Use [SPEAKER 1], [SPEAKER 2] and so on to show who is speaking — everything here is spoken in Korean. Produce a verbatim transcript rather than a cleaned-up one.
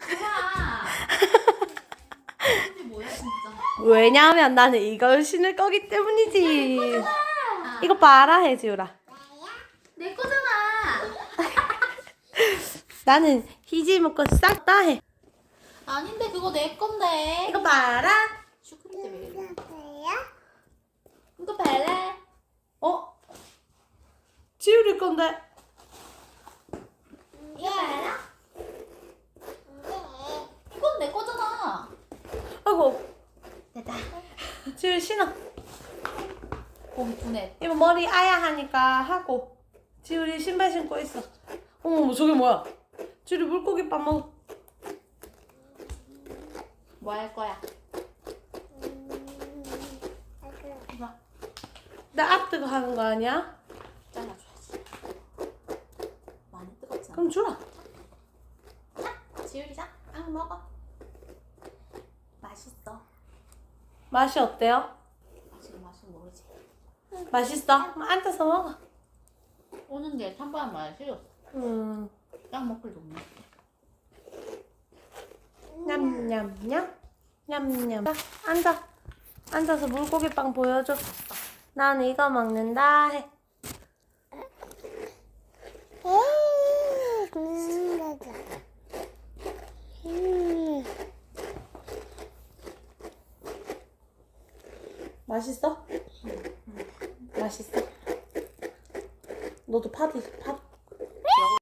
[SPEAKER 1] 뭐야? 이게 뭐야 진짜?
[SPEAKER 2] 왜냐하면 나는 이걸 신을 거기 때문이지.
[SPEAKER 1] 아,
[SPEAKER 2] 이거 봐라 해지우라.
[SPEAKER 1] 내 거잖아.
[SPEAKER 2] 나는 희지 먹고 싹 다 해.
[SPEAKER 1] 아닌데 그거 내 건데.
[SPEAKER 2] 이거 봐라.
[SPEAKER 1] 슈크림 때문에 이래. 이거 발라.
[SPEAKER 2] 어? 지우리 건데.
[SPEAKER 1] 이거 발라. 이건 내 거잖아.
[SPEAKER 2] 아이고.
[SPEAKER 1] 됐다.
[SPEAKER 2] 지우리 신어.
[SPEAKER 1] 봄 두네.
[SPEAKER 2] 이거 머리 아야 하니까 하고. 지우리 신발 신고 있어. 어머 저게 뭐야? 지우리 물고기밥 먹어.
[SPEAKER 1] 뭐 할 거야? 이거
[SPEAKER 2] 나 아뜨거 하는 거 아니야?
[SPEAKER 1] 잘라줘야지. 많이 뜨겁잖아.
[SPEAKER 2] 그럼 주라.
[SPEAKER 1] 자, 지우리자. 아 먹어. 맛있어.
[SPEAKER 2] 맛이 어때요?
[SPEAKER 1] 지금 맛은 모르지.
[SPEAKER 2] 맛있어? 그럼 앉아서 먹어.
[SPEAKER 1] 오는데 찬바람 많이 싫었어.
[SPEAKER 2] 음.
[SPEAKER 1] 딱 먹을 놈네.
[SPEAKER 2] 냠냠냠 냠냠. 자, 앉아. 앉아서 물고기빵 보여줘. 나는 이거 먹는다 해. 맛있어? 맛있어? 너도 파도 파